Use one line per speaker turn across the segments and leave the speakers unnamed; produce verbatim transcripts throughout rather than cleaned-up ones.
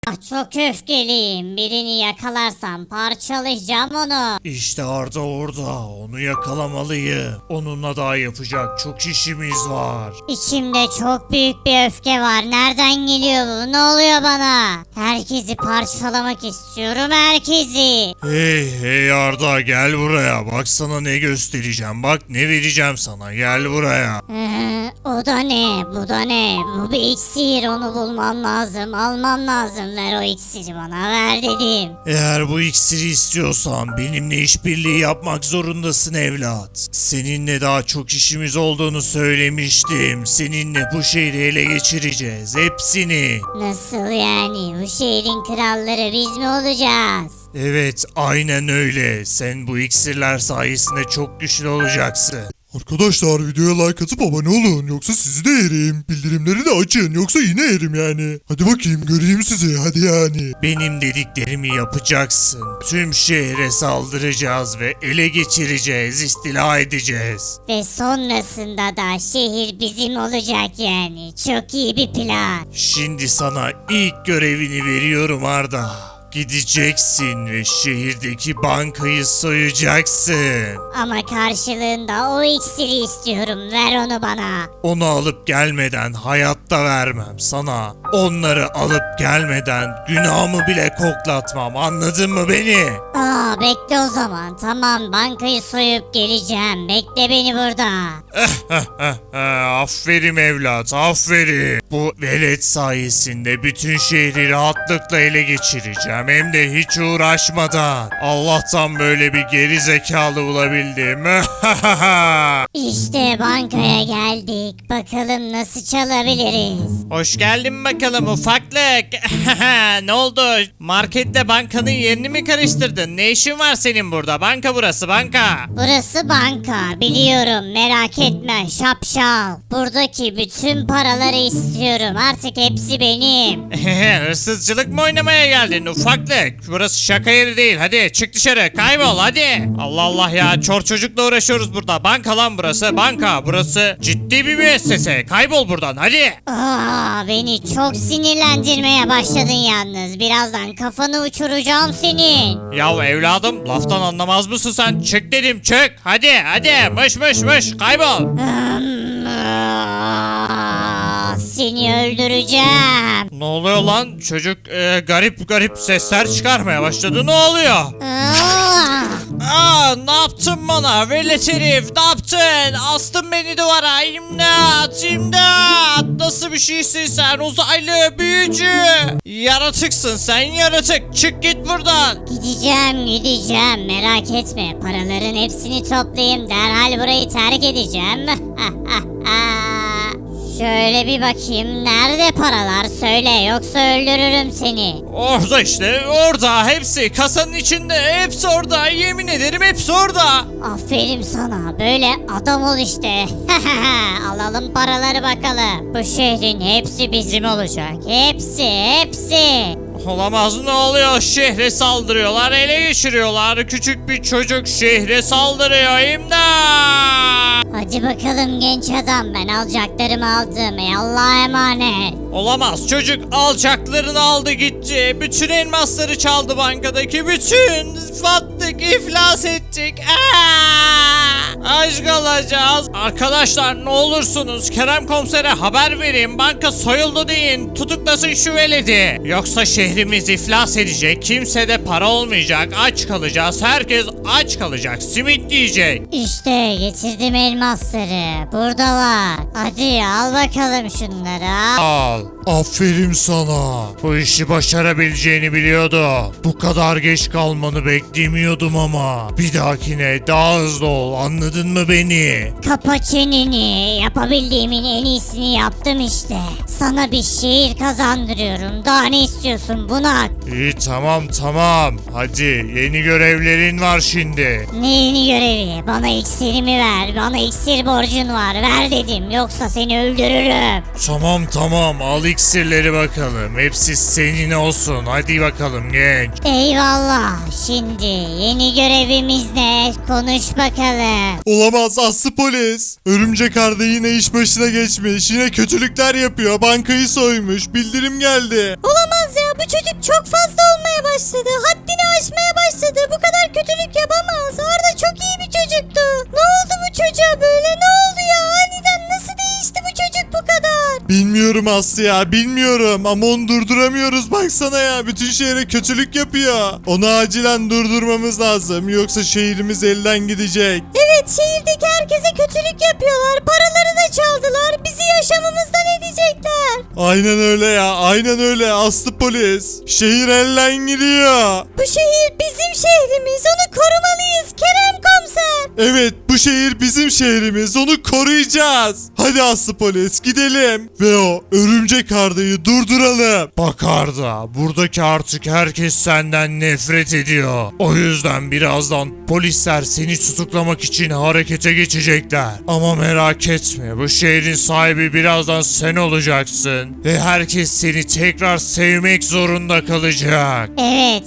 Çok öfkeliyim. Birini yakalarsam parçalayacağım onu.
İşte Arda orada. Onu yakalamalıyım. Onunla daha yapacak çok işimiz var.
İçimde çok büyük bir öfke var. Nereden geliyor bu? Ne oluyor bana? Herkesi parçalamak istiyorum, herkesi.
Hey hey Arda, gel buraya. Bak sana ne göstereceğim. Bak ne vereceğim sana. Gel buraya.
Ee, o da ne? Bu da ne? Bu bir iksir. Onu bulmam lazım. Almam lazım. Ver o iksiri bana. Ver dedim.
Eğer bu iksiri istiyorsan benimle işbirliği yapmak zorundasın evlat. Seninle daha çok işimiz olduğunu söylemiştim. Seninle bu şehri ele geçireceğiz. Hepsini.
Nasıl yani? Bu şehrin kralları biz mi olacağız?
Evet, aynen öyle. Sen bu iksirler sayesinde çok güçlü olacaksın.
Arkadaşlar videoya like atıp abone olun yoksa sizi de yerim. Bildirimleri de açın yoksa yine yerim yani. Hadi bakayım göreyim sizi hadi yani.
Benim dediklerimi yapacaksın. Tüm şehre saldıracağız ve ele geçireceğiz, istila edeceğiz.
Ve sonrasında da şehir bizim olacak yani. Çok iyi bir plan.
Şimdi sana ilk görevini veriyorum Arda. Gideceksin ve şehirdeki bankayı soyacaksın.
Ama karşılığında o iksiri istiyorum. Ver onu bana.
Onu alıp gelmeden hayatta vermem sana. Onları alıp gelmeden günahımı bile koklatmam. Anladın mı beni?
Aa, bekle o zaman. Tamam, bankayı soyup geleceğim. Bekle beni burada.
Aferin evlat, aferin. Bu velet sayesinde bütün şehri rahatlıkla ele geçireceğim. Hem de hiç uğraşmadan. Allah'tan böyle bir geri zekalı bulabildim.
İşte bankaya geldik. Bakalım nasıl çalabiliriz.
Hoş geldin bakalım ufaklık. Ne oldu? Marketle bankanın yerini mi karıştırdın? Ne işin var senin burada? Banka burası, banka.
Burası banka. Biliyorum, merak etme şapşal. Buradaki bütün paraları istiyorum. Artık hepsi benim.
Hırsızcılık mı oynamaya geldin ufaklık? Burası şaka yeri değil. Hadi çık dışarı, kaybol hadi. Allah Allah ya, çor çocukla uğraşıyoruz burada. Banka lan burası, banka. Burası ciddi bir müessese. Kaybol buradan hadi.
Aa, beni çok sinirlendirmeye başladın yalnız. Birazdan kafanı uçuracağım senin.
Ya evladım, laftan anlamaz mısın sen? Çık dedim, çık. Hadi hadi, mış mış mış, kaybol.
Hmm, aa, Seni öldüreceğim.
Ne oluyor lan? Çocuk e, garip garip sesler çıkarmaya başladı. Ne oluyor?
Aa,
Aa, ne yaptın bana? Velet herif, ne yaptın? Astın beni duvara. İmdat, imdat. Nasıl bir şeysin sen? Uzaylı, büyücü. Yaratıksın sen, yaratık. Çık git buradan.
Gideceğim gideceğim, merak etme. Paraların hepsini toplayayım, derhal burayı terk edeceğim. Şöyle bir bakayım, nerede paralar söyle, yoksa öldürürüm seni.
Orada işte, orada. Hepsi kasanın içinde. Hepsi orada. Yemin ederim hepsi orada.
Aferin sana, böyle adam ol işte. Alalım paraları bakalım. Bu şehrin hepsi bizim olacak. Hepsi hepsi.
Olamaz, ne oluyor? Şehre saldırıyorlar, ele geçiriyorlar. Küçük bir çocuk şehre saldırıyor. İmdat!
Hadi bakalım genç adam, ben alacaklarımı aldım. Ey Allah'a emanet.
Olamaz, çocuk alacaklarını aldı gitti. Bütün elmasları çaldı bankadaki. Bütün battık, iflas ettik. Aa! Aç kalacağız. Arkadaşlar ne olursunuz Kerem komisere haber verin. Banka soyuldu deyin. Tutuklasın şu veledi. Yoksa şehrimiz iflas edecek. Kimsede para olmayacak. Aç kalacağız. Herkes aç kalacak. Simit yiyecek.
İşte getirdim elmasları. Burada var. Hadi al bakalım şunları.
Al. Aferin sana. Bu işi başarabileceğini biliyordum. Bu kadar geç kalmanı beklemiyordum ama. Bir dahakine daha hızlı ol. Anladın mı beni?
Kapa çeneni. Yapabildiğimin en iyisini yaptım işte. Sana bir şehir kazandırıyorum. Daha ne istiyorsun bunak?
İyi tamam tamam. Hadi yeni görevlerin var şimdi.
Ne yeni görevi? Bana iksirimi ver. Bana iksir borcun var. Ver dedim. Yoksa seni öldürürüm.
Tamam tamam al iksirleri bakalım. Hepsi senin olsun. Hadi bakalım genç.
Eyvallah. Şimdi yeni görevimiz ne? Konuş bakalım.
Olamaz Aslı polis. Örümcek Arda yine iş başına geçmiş. Yine kötülükler yapıyor. Bankayı soymuş. Bildirim geldi.
Olamaz ya. bu çocuk çok fazla olmaya başladı. Haddini aşmaya başladı. Bu kadar kötülük yapamaz. Arda çok iyi bir çocuktu. Ne oldu bu çocuğa böyle? Ne oldu ya? Aniden nasıl değişti bu çocuk bu kadar?
Bilmiyorum Aslı ya bilmiyorum ama onu durduramıyoruz baksana ya. Bütün şehre kötülük yapıyor. Onu acilen durdurmamız lazım yoksa şehrimiz elden gidecek.
Evet, şehirdeki herkese kötülük yapıyorlar. Paraları da çaldılar. Bizi yaşamımızdan edecekler.
Aynen öyle ya aynen öyle Aslı polis. Şehir elden gidiyor.
Bu şehir bizim şehrimiz. Onu korumalıyız Kerem komiser.
Evet bu şehir bizim şehrimiz onu koruyacağız. Hadi Aslı polis gidelim. Ve o örümcek Arda'yı durduralım.
Bak Arda, buradaki artık herkes senden nefret ediyor. O yüzden birazdan polisler seni tutuklamak için harekete geçecekler. Ama merak etme, bu şehrin sahibi birazdan sen olacaksın. Ve herkes seni tekrar sevmek zorunda kalacak.
Evet,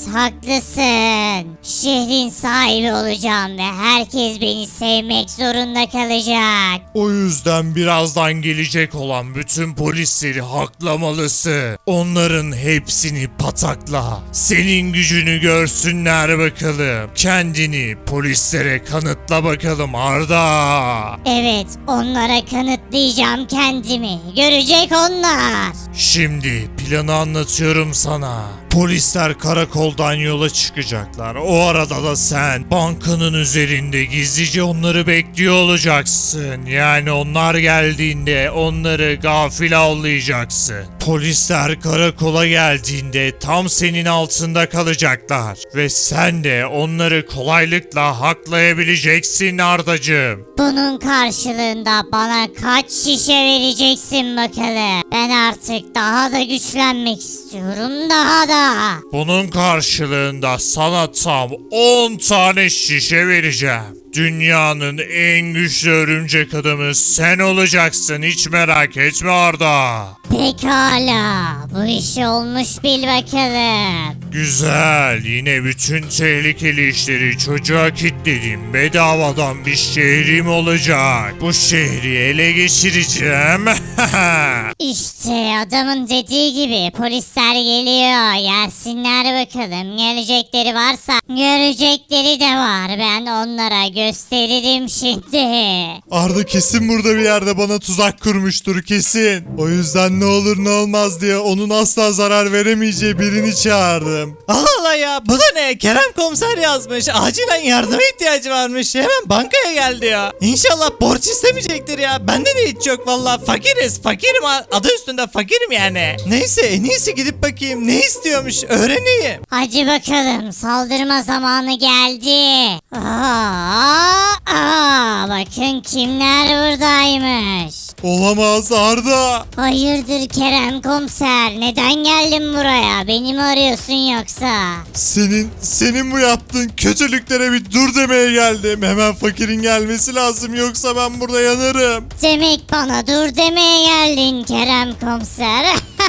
haklısın. Şehrin sahibi olacağım ve herkes beni sevmek zorunda kalacak.
O yüzden birazdan gelecek olan bütün polisleri haklamalısın. Onların hepsini patakla. Senin gücünü görsünler bakalım. Kendini polislere kanıtla bakalım Arda.
Evet, onlara kanıtlayacağım kendimi. Görecek onlar.
Şimdi planı anlatıyorum sana. Polisler karakoldan yola çıkacaklar. O arada da sen bankanın üzerinde gizlice onları bekliyor olacaksın. Yani onlar geldiğinde onları gafil avlayacaksın. Polisler karakola geldiğinde tam senin altında kalacaklar. Ve sen de onları kolaylıkla haklayabileceksin Ardacığım.
Bunun karşılığında bana kaç şişe vereceksin bakalım. Ben artık daha da güçlenmek istiyorum, daha da.
Bunun karşılığında sana tam on tane şişe vereceğim. Dünyanın en güçlü örümcek adamı sen olacaksın, hiç merak etme Arda.
Pekala, bu iş olmuş bil bakalım.
Güzel, yine bütün tehlikeli işleri çocuğa kilitledim. Bedavadan bir şehrim olacak. Bu şehri ele geçireceğim.
İşte adamın dediği gibi polisler geliyor. Gelsinler bakalım. Gelecekleri varsa görecekleri de var. Ben onlara gösteririm şimdi.
Arda kesin burada bir yerde bana tuzak kurmuştur kesin. O yüzden ne olur ne olmaz diye onun asla zarar veremeyeceği birini çağırdım.
Allah Allah ya, bu da ne? Kerem komiser yazmış. Acilen yardıma ihtiyacı varmış. Hemen bankaya geldi ya. İnşallah borç istemeyecektir ya. Bende de hiç yok valla. Fakiriz. Fakirim. Adı üstünde fakirim yani. Neyse, en iyisi gidip bakayım ne istiyormuş öğreneyim.
Hadi bakalım, saldırma zamanı geldi. Aa, aa, bakın kimler buradaymış.
Olamaz Arda.
Hayırdır Kerem komiser, neden geldin buraya? Beni mi arıyorsun yoksa?
Senin, senin bu yaptığın kötülüklere bir dur demeye geldim. Hemen fakirin gelmesi lazım yoksa ben burada yanarım.
Demek bana dur demeye geldin Kerem komiser.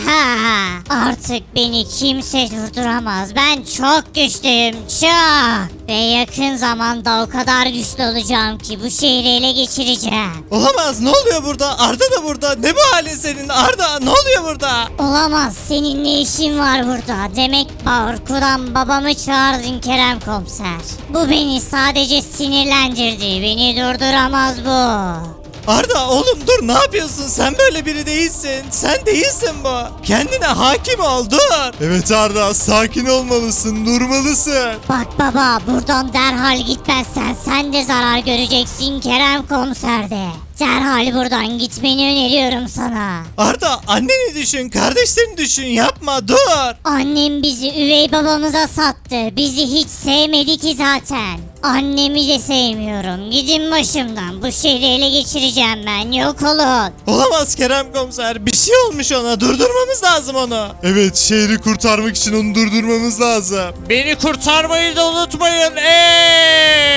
Artık beni kimse durduramaz. Ben çok güçlüyüm, çok. Ve yakın zamanda o kadar güçlü olacağım ki bu şehri ele geçireceğim.
Olamaz, ne oluyor burada? Arda da burada. Ne bu halin senin Arda? Ne oluyor burada?
Olamaz, senin ne işin var burada? Demek korkudan babamı çağırdın Kerem komiser. Bu beni sadece sinirlendirdi. Beni durduramaz bu.
Arda oğlum dur, ne yapıyorsun? Sen böyle biri değilsin. Sen değilsin bu. Kendine hakim ol, dur.
Evet Arda sakin olmalısın durmalısın.
Bak baba, buradan derhal gitmezsen sen de zarar göreceksin Kerem komiser de. Derhal buradan gitmeni öneriyorum sana.
Arda anneni düşün, kardeşlerini düşün, yapma, dur.
Annem bizi üvey babamıza sattı. Bizi hiç sevmedi ki zaten. Annemi de sevmiyorum. Gidin başımdan. Bu şehri ele geçireceğim ben. Yok olun.
Olamaz Kerem komiser, bir şey olmuş ona, durdurmamız lazım onu.
Evet şehri kurtarmak için onu durdurmamız lazım.
Beni kurtarmayı da unutmayın. Ey!